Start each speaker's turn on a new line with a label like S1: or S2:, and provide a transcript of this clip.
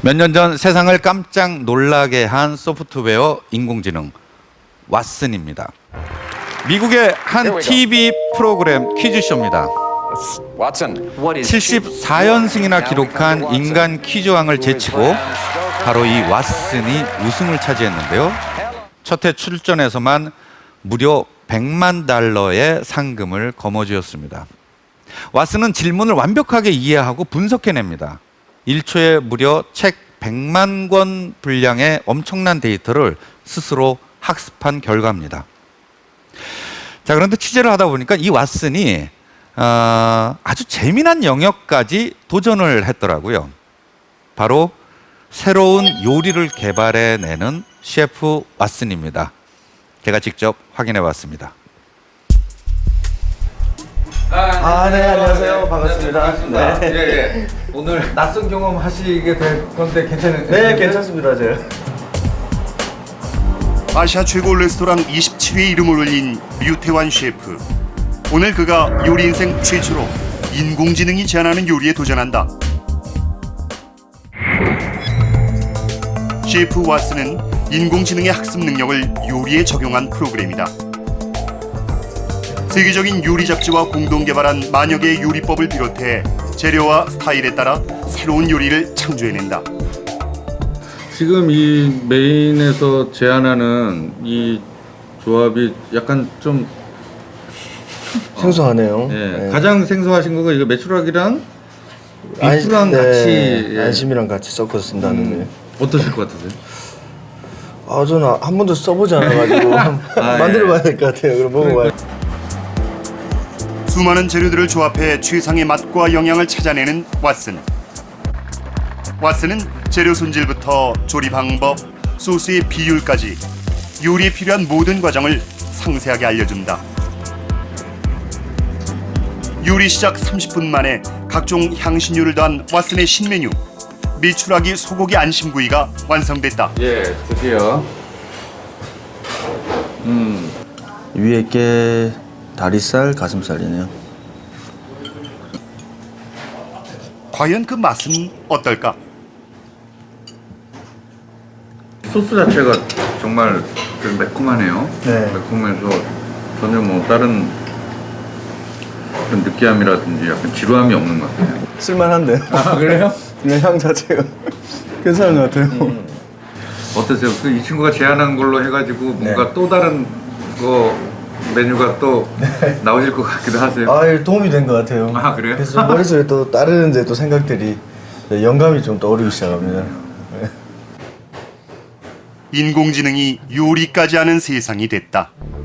S1: 몇 년 전 세상을 깜짝 놀라게 한 소프트웨어 인공지능 왓슨입니다. 미국의 한 TV 프로그램 퀴즈쇼입니다. 74연승이나 기록한 인간 퀴즈왕을 제치고 바로 이 왓슨이 우승을 차지했는데요. 첫 해 출전에서만 무려 100만 달러의 상금을 거머쥐었습니다. 왓슨은 질문을 완벽하게 이해하고 분석해냅니다. 1초에 무려 책 100만 권 분량의 엄청난 데이터를 스스로 학습한 결과입니다. 자, 그런데 취재를 하다 보니까 이 왓슨이 아주 재미난 영역까지 도전을 했더라고요. 바로 새로운 요리를 개발해내는 셰프 왓슨입니다. 제가 직접 확인해 봤습니다.
S2: 네, 안녕하세요. 반갑습니다. 네.
S1: 예. 오늘 낯선 경험 하시게 될 건데 괜찮은가요?
S2: 네, 괜찮습니다. 제가.
S3: 아시아 최고 레스토랑 27위에 이름을 올린 류태환 셰프. 오늘 그가 요리 인생 최초로 인공지능이 제안하는 요리에 도전한다. 셰프 왓슨은 인공지능의 학습 능력을 요리에 적용한 프로그램이다. 세계적인 요리 잡지와 공동 개발한 만여 개의 요리법을 비롯해 재료와 스타일에 따라 새로운 요리를 창조해낸다.
S4: 지금 이 메인에서 제안하는 이 조합이 약간 좀
S2: 생소하네요.
S4: 예,
S2: 네.
S4: 가장 생소하신 거가 이거 메추라기랑 비프랑 같이 예.
S2: 안심이랑 같이 섞어서 쓴다는 게.
S4: 어떠실 것 같으세요?
S2: 저는 한 번도 써보지 않아가지고 만들어봐야 될 것 같아요. 그럼 먹어봐요.
S3: 수많은 재료들을 조합해 최상의 맛과 영양을 찾아내는 왓슨. 왓슨은 재료 손질부터 조리 방법, 소스의 비율까지 요리에 필요한 모든 과정을 상세하게 알려준다. 요리 시작 30분 만에 각종 향신료를 더한 왓슨의 신메뉴 메추라기 소고기 안심구이가 완성됐다.
S4: 예, 드디어.
S2: 위에 게 다리살, 가슴살이네요.
S3: 과연 그 맛은 어떨까?
S4: 소스 자체가 정말 좀 매콤하네요.
S2: 네.
S4: 매콤해서 전혀 뭐 다른 그런 느끼함이라든지 약간 지루함이 없는 것 같아요.
S2: 쓸만한데.
S4: 아, 그래요?
S2: 그냥 향 자체가 괜찮은 것 같아요.
S4: 어떠세요? 그 이 친구가 제안한 걸로 해가지고 뭔가
S2: 네.
S4: 또 다른 거 메뉴가 또 나오실 것 같기도 하세요.
S2: 도움이 된 것 같아요.
S4: 아, 그래요?
S2: 그래서 머릿속에 또 다른 이제 또 생각들이 영감이 좀 떠오르기 시작합니다.
S3: 인공지능이 요리까지 하는 세상이 됐다.